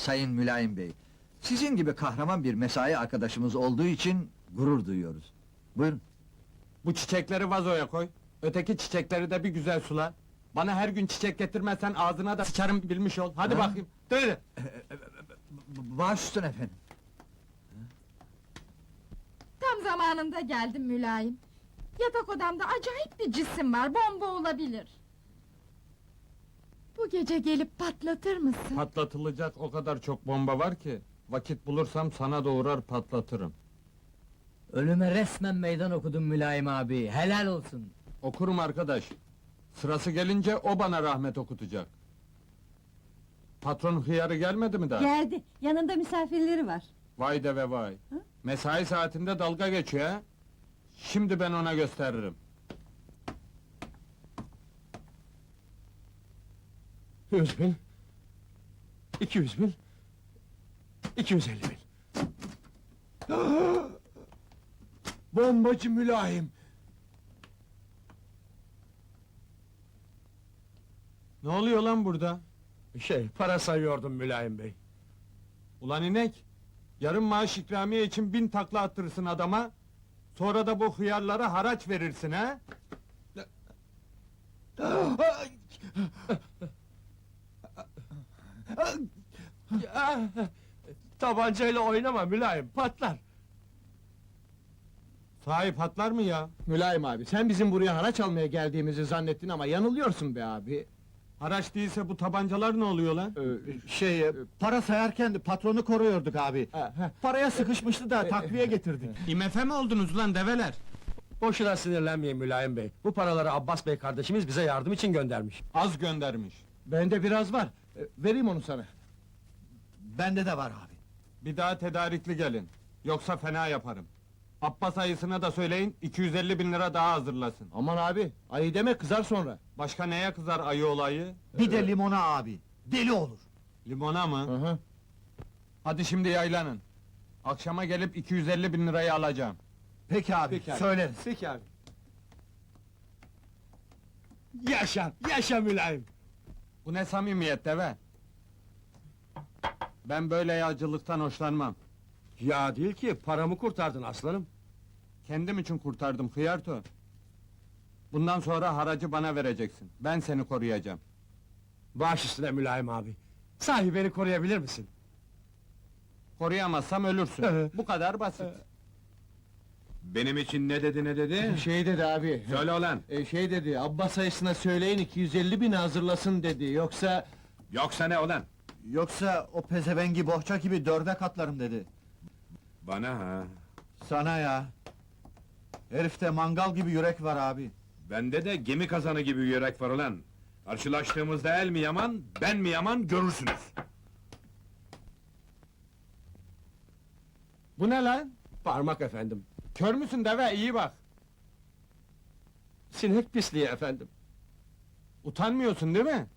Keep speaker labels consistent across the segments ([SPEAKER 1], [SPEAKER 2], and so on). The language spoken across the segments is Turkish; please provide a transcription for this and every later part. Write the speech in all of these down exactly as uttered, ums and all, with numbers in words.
[SPEAKER 1] Sayın Mülayim Bey. Sizin gibi kahraman bir mesai arkadaşımız olduğu için gurur duyuyoruz. Buyurun.
[SPEAKER 2] Bu çiçekleri vazoya koy. Öteki çiçekleri de bir güzel sula. Bana her gün çiçek getirmezsen ağzına da sıçarım bilmiş ol. Hadi
[SPEAKER 1] Ha?
[SPEAKER 2] bakayım. Söyle.
[SPEAKER 1] B- Baş üstüne efendim.
[SPEAKER 3] Tam zamanında geldim Mülayim. Yatak odamda acayip bir cisim var, bomba olabilir. Bu gece gelip patlatır mısın?
[SPEAKER 2] Patlatılacak o kadar çok bomba var ki... ...vakit bulursam sana doğurar patlatırım.
[SPEAKER 4] Ölüme resmen meydan okudun Mülayim abi, helal olsun.
[SPEAKER 2] Okurum arkadaş. Sırası gelince o bana rahmet okutacak. Patron hıyarı gelmedi mi daha?
[SPEAKER 5] Geldi, yanında misafirleri var.
[SPEAKER 2] Vay de ve vay. Mesai saatinde dalga geçiyor ha? Şimdi ben ona gösteririm.
[SPEAKER 6] Yüz bin, iki yüz bin, iki yüz elli bin. Bombacı Mülayim!
[SPEAKER 2] Ne oluyor lan burada?
[SPEAKER 6] Şey, para sayıyordum Mülayim Bey.
[SPEAKER 2] Ulan inek! Yarım maaş ikramiye için bin takla attırırsın adama... ...sonra da bu hıyarlara haraç verirsin ha?
[SPEAKER 6] Tabancayla oynama Mülayim, patlar!
[SPEAKER 2] Sahi patlar mı ya?
[SPEAKER 7] Mülayim abi, sen bizim buraya haraç almaya geldiğimizi zannettin ama yanılıyorsun be abi.
[SPEAKER 2] Haraç değilse bu tabancalar ne oluyor lan?
[SPEAKER 7] Ee, şey, e, para sayarken de patronu koruyorduk abi. Paraya sıkışmıştı da takviye getirdik.
[SPEAKER 2] İ M F mi oldunuz lan develer?
[SPEAKER 6] Boşuna sinirlenmeyin Mülayim Bey. Bu paraları Abbas Bey kardeşimiz bize yardım için göndermiş.
[SPEAKER 2] Az göndermiş.
[SPEAKER 7] Bende biraz var, ee, vereyim onu sana.
[SPEAKER 1] Bende de var abi.
[SPEAKER 2] Bir daha tedarikli gelin. Yoksa fena yaparım. Abbas ayısına da söyleyin, iki yüz elli bin lira daha hazırlasın.
[SPEAKER 7] Aman abi, ayı deme kızar sonra.
[SPEAKER 2] Başka neye kızar ayı olayı?
[SPEAKER 1] Bir de limona abi. Deli olur.
[SPEAKER 2] Limona mı?
[SPEAKER 7] Hı hı.
[SPEAKER 2] Hadi şimdi yaylanın. Akşama gelip iki yüz elli bin lirayı alacağım.
[SPEAKER 1] Peki abi,
[SPEAKER 7] Peki abi.
[SPEAKER 1] söyleriz.
[SPEAKER 7] Peki abi.
[SPEAKER 6] Yaşa, yaşa Mülayim!
[SPEAKER 2] Bu ne samimiyet deve? Ben böyle yağcılıktan hoşlanmam.
[SPEAKER 6] Ya değil ki, paramı kurtardın aslanım.
[SPEAKER 2] Kendim için kurtardım hıyarto. Bundan sonra haracı bana vereceksin. Ben seni koruyacağım.
[SPEAKER 6] Baş üstüne Mülayim abi. Sahi beni koruyabilir misin?
[SPEAKER 2] Koruyamazsam ölürsün. Bu kadar basit.
[SPEAKER 8] Benim için ne dedi ne dedi?
[SPEAKER 7] Şey dedi abi.
[SPEAKER 8] Söyle ulan!
[SPEAKER 7] e, şey dedi, Abbas ayısına söyleyin iki yüz elli bin hazırlasın dedi, yoksa...
[SPEAKER 8] Yoksa ne ulan?
[SPEAKER 1] Yoksa o pezevengi bohça gibi dörde katlarım dedi.
[SPEAKER 8] Bana ha?
[SPEAKER 1] Sana ya. Herifte mangal gibi yürek var abi.
[SPEAKER 8] Bende de gemi kazanı gibi yürek var ulan! Karşılaştığımızda el mi yaman, ben mi yaman görürsünüz!
[SPEAKER 2] Bu ne lan?
[SPEAKER 6] Parmak efendim.
[SPEAKER 2] Kör müsün deve? İyi bak.
[SPEAKER 6] Sinek pisliği efendim.
[SPEAKER 2] Utanmıyorsun değil mi?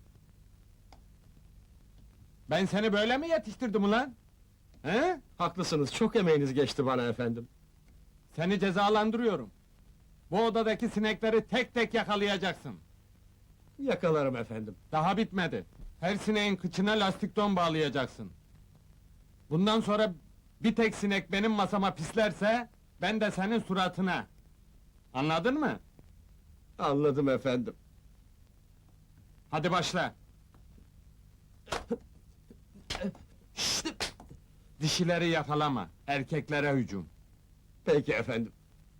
[SPEAKER 2] Ben seni böyle mi yetiştirdim ulan? He?
[SPEAKER 6] Haklısınız, çok emeğiniz geçti bana efendim.
[SPEAKER 2] Seni cezalandırıyorum. Bu odadaki sinekleri tek tek yakalayacaksın.
[SPEAKER 6] Yakalarım efendim.
[SPEAKER 2] Daha bitmedi. Her sineğin kıçına lastik don bağlayacaksın. Bundan sonra bir tek sinek benim masama pislerse, ben de senin suratına. Anladın mı?
[SPEAKER 6] Anladım efendim.
[SPEAKER 2] Hadi başla. Şşt! Dişileri yakalama, erkeklere hücum.
[SPEAKER 6] Peki efendim.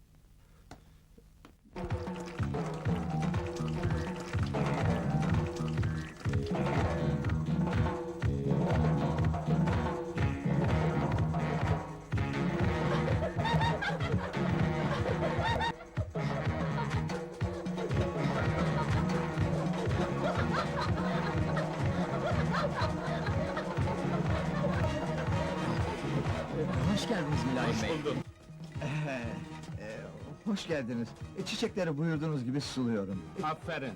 [SPEAKER 4] Hoş geldiniz Mülayim Bey.
[SPEAKER 1] Ee, e, hoş geldiniz. E, çiçekleri buyurduğunuz gibi suluyorum.
[SPEAKER 2] Aferin.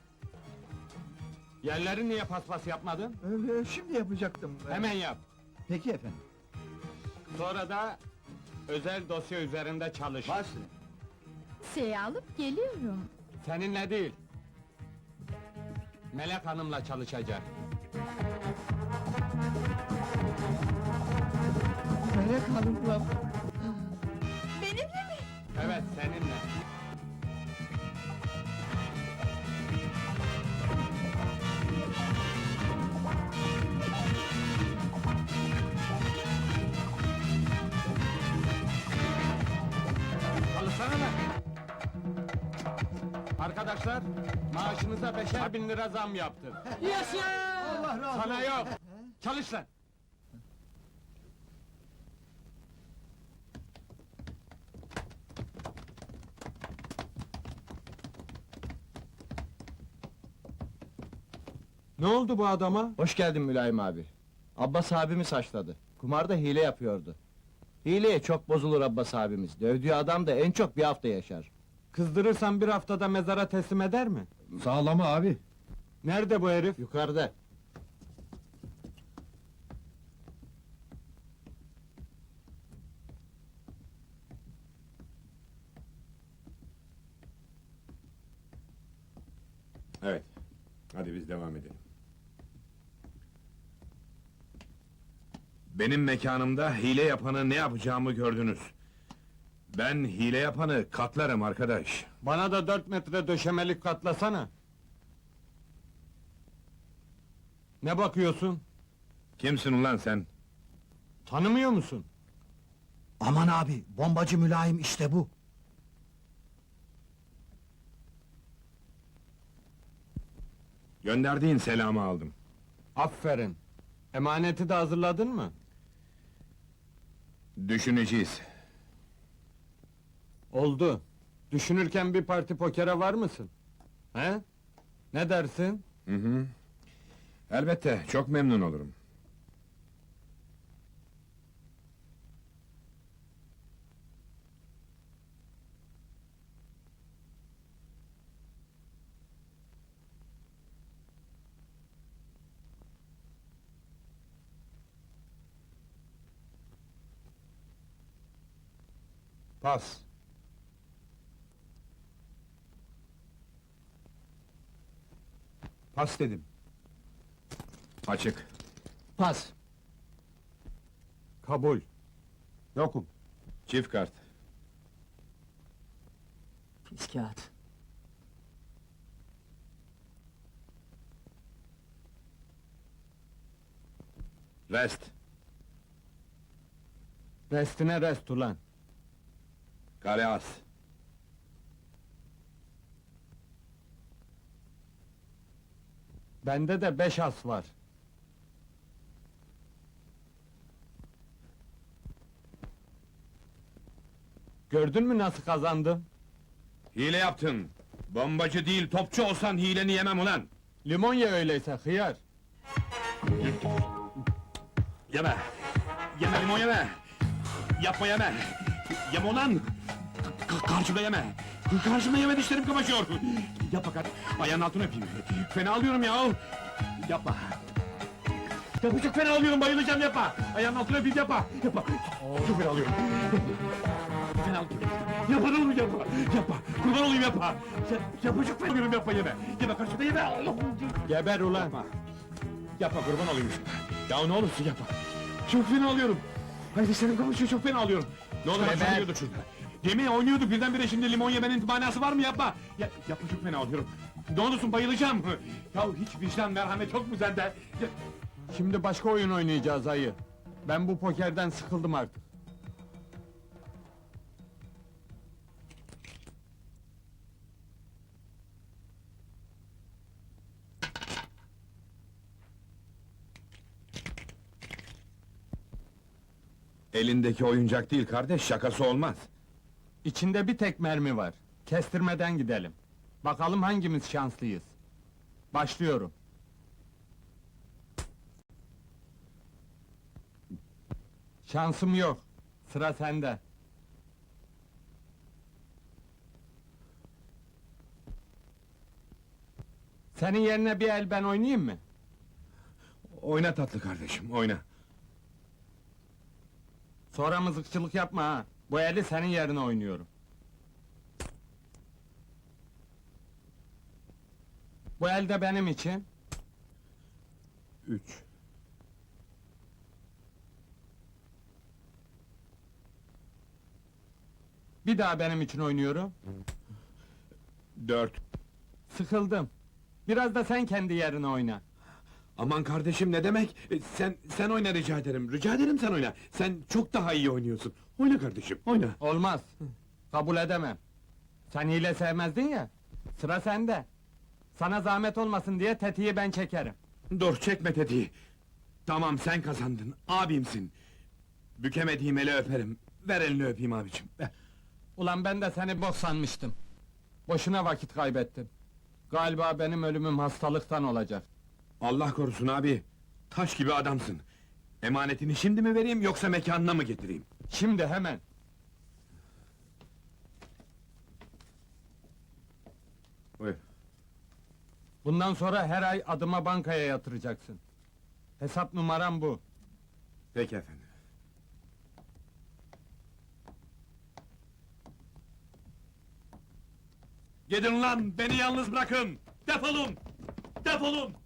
[SPEAKER 2] Yerleri niye paspas yapmadın?
[SPEAKER 1] Ee, şimdi yapacaktım. Ee,
[SPEAKER 2] Hemen yap.
[SPEAKER 1] Peki efendim.
[SPEAKER 2] Sonra da özel dosya üzerinde çalış.
[SPEAKER 1] Baş.
[SPEAKER 3] Şey alıp geliyorum.
[SPEAKER 2] Seninle değil. Melek Hanım'la çalışacak.
[SPEAKER 3] Alçakanlıkla. Benimle mi?
[SPEAKER 2] Evet, seninle. Çalışsana lan! Arkadaşlar, maaşınıza beşer bin lira zam yaptım.
[SPEAKER 4] Yaşa!
[SPEAKER 1] Allah razı
[SPEAKER 2] Sana yok! Çalış lan! Ne oldu bu adama?
[SPEAKER 7] Hoş geldin Mülayim abi. Abbas abimi saçladı. Kumarda hile yapıyordu. Hileye çok bozulur Abbas abimiz. Dövdüğü adam da en çok bir hafta yaşar.
[SPEAKER 2] Kızdırırsan bir haftada mezara teslim eder mi?
[SPEAKER 6] Sağlama abi.
[SPEAKER 2] Nerede bu herif?
[SPEAKER 7] Yukarıda.
[SPEAKER 8] Evet. Hadi biz devam edelim. Benim mekanımda hile yapanı ne yapacağımı gördünüz. Ben hile yapanı katlarım arkadaş.
[SPEAKER 2] Bana da dört metre döşemelik katlasana. Ne bakıyorsun?
[SPEAKER 8] Kimsin ulan sen?
[SPEAKER 2] Tanımıyor musun?
[SPEAKER 7] Aman abi, bombacı Mülayim işte bu.
[SPEAKER 8] Gönderdiğin selamı aldım.
[SPEAKER 2] Aferin. Emaneti de hazırladın mı?
[SPEAKER 8] Düşüneceğiz.
[SPEAKER 2] Oldu. Düşünürken bir parti pokere var mısın? He? Ne dersin?
[SPEAKER 8] Hı hı. Elbette, çok memnun olurum.
[SPEAKER 6] Pas. Pas dedim.
[SPEAKER 8] Açık.
[SPEAKER 7] Pas.
[SPEAKER 2] Kabul.
[SPEAKER 6] Yokum.
[SPEAKER 8] Çift kart.
[SPEAKER 4] Pis kağıt.
[SPEAKER 8] Rest.
[SPEAKER 2] Restine rest ulan.
[SPEAKER 8] Kale as.
[SPEAKER 2] Bende de beş as var. Gördün mü nasıl kazandım?
[SPEAKER 8] Hile yaptın. Bombacı değil, topçu olsan hileni yemem ulan.
[SPEAKER 2] Limon ye öyleyse, hıyar.
[SPEAKER 8] Yeme! Yeme limon yeme! Yapma yeme! Yeme ulan! K- karşımda yeme! Karşımda yeme, dişlerim kamaşıyor! Yapma kar... Ayağının altına öpeyim! Fena alıyorum ya! Yapma! Yapma, çok fena alıyorum, bayılacağım, yapma! Ayağının altına öpeyim, yapma! Yapma! Çok fena alıyorum! Yapma! Fena alıyorum! Yapma, ne olur yapma! Yapma! Kurban olayım, yapma! Ya, yapma, çok fena alıyorum, yapma, yeme! Yeme, karşımda yeme!
[SPEAKER 2] Geber ulan!
[SPEAKER 8] Yapma! Yapma, kurban olayım! Ya ne olursun yapma! Çok fena alıyorum! Ay dişlerim kamaşıyor, çok fena alıyorum! Ne olur
[SPEAKER 2] Geber!
[SPEAKER 8] bak oynuyorduk şurada! Yemin oynuyorduk, birdenbire şimdi limon yemenin manası var mı, yapma! Ya, yapma, çok fena alıyorum! Ne olursun, bayılacağım! Ya hiç vicdan, merhamet yok mu sende? Ya,
[SPEAKER 2] Şimdi başka oyun oynayacağız ayı. Ben bu pokerden sıkıldım artık.
[SPEAKER 8] elindeki oyuncak değil kardeş, şakası olmaz!
[SPEAKER 2] İçinde bir tek mermi var. Kestirmeden gidelim. Bakalım hangimiz şanslıyız. Başlıyorum. Şansım yok. Sıra sende. Senin yerine bir el ben oynayayım mı?
[SPEAKER 8] Oyna tatlı kardeşim, oyna!
[SPEAKER 2] Sonra mızıkçılık yapma ha. Bu eli senin yerine oynuyorum. Bu el de benim için.
[SPEAKER 8] Üç.
[SPEAKER 2] Bir daha benim için oynuyorum.
[SPEAKER 8] Dört.
[SPEAKER 2] Sıkıldım. Biraz da sen kendi yerine oyna.
[SPEAKER 8] Aman kardeşim ne demek? E, Sen sen oyna rica ederim. Rica ederim sen oyna. Sen çok daha iyi oynuyorsun. Oyna kardeşim, oyna.
[SPEAKER 2] Olmaz. Kabul edemem. Sen hile sevmezdin ya. Sıra sende. Sana zahmet olmasın diye tetiği ben çekerim.
[SPEAKER 8] Dur çekme tetiği. Tamam sen kazandın. Abimsin. Bükemediğim eli öperim. Ver elini öpeyim abicim. Ver.
[SPEAKER 2] Ulan ben de seni bok sanmıştım. Boşuna vakit kaybettim. Galiba benim ölümüm hastalıktan olacak.
[SPEAKER 8] Allah korusun abi. Taş gibi adamsın. Emanetini şimdi mi vereyim yoksa mekanına mı getireyim?
[SPEAKER 2] Şimdi hemen.
[SPEAKER 8] Buyur.
[SPEAKER 2] Bundan sonra her ay adıma bankaya yatıracaksın. Hesap numaram bu.
[SPEAKER 8] Peki efendim. Gidin lan, beni yalnız bırakın! Defolun! Defolun!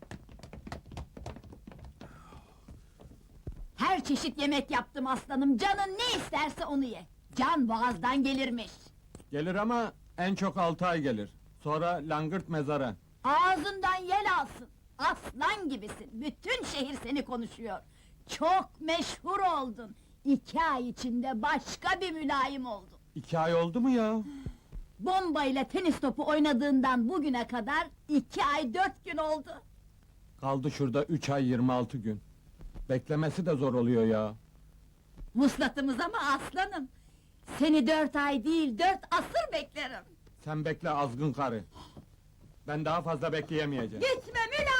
[SPEAKER 9] Her çeşit yemek yaptım aslanım, canın ne isterse onu ye. Can boğazdan gelirmiş.
[SPEAKER 2] Gelir ama en çok altı ay gelir. Sonra langırt mezara.
[SPEAKER 9] Ağzından yel alsın. Aslan gibisin, bütün şehir seni konuşuyor. Çok meşhur oldun. İki ay içinde başka bir mülayim oldun.
[SPEAKER 2] İki ay oldu mu ya?
[SPEAKER 9] Bomba ile tenis topu oynadığından bugüne kadar iki ay dört gün oldu.
[SPEAKER 2] Kaldı şurada üç ay yirmi altı gün. Beklemesi de zor oluyor ya.
[SPEAKER 9] Vuslatımız ama aslanım. Seni dört ay değil, dört asır beklerim.
[SPEAKER 2] Sen bekle azgın karı. Ben daha fazla bekleyemeyeceğim.
[SPEAKER 9] Gitme Mülayim!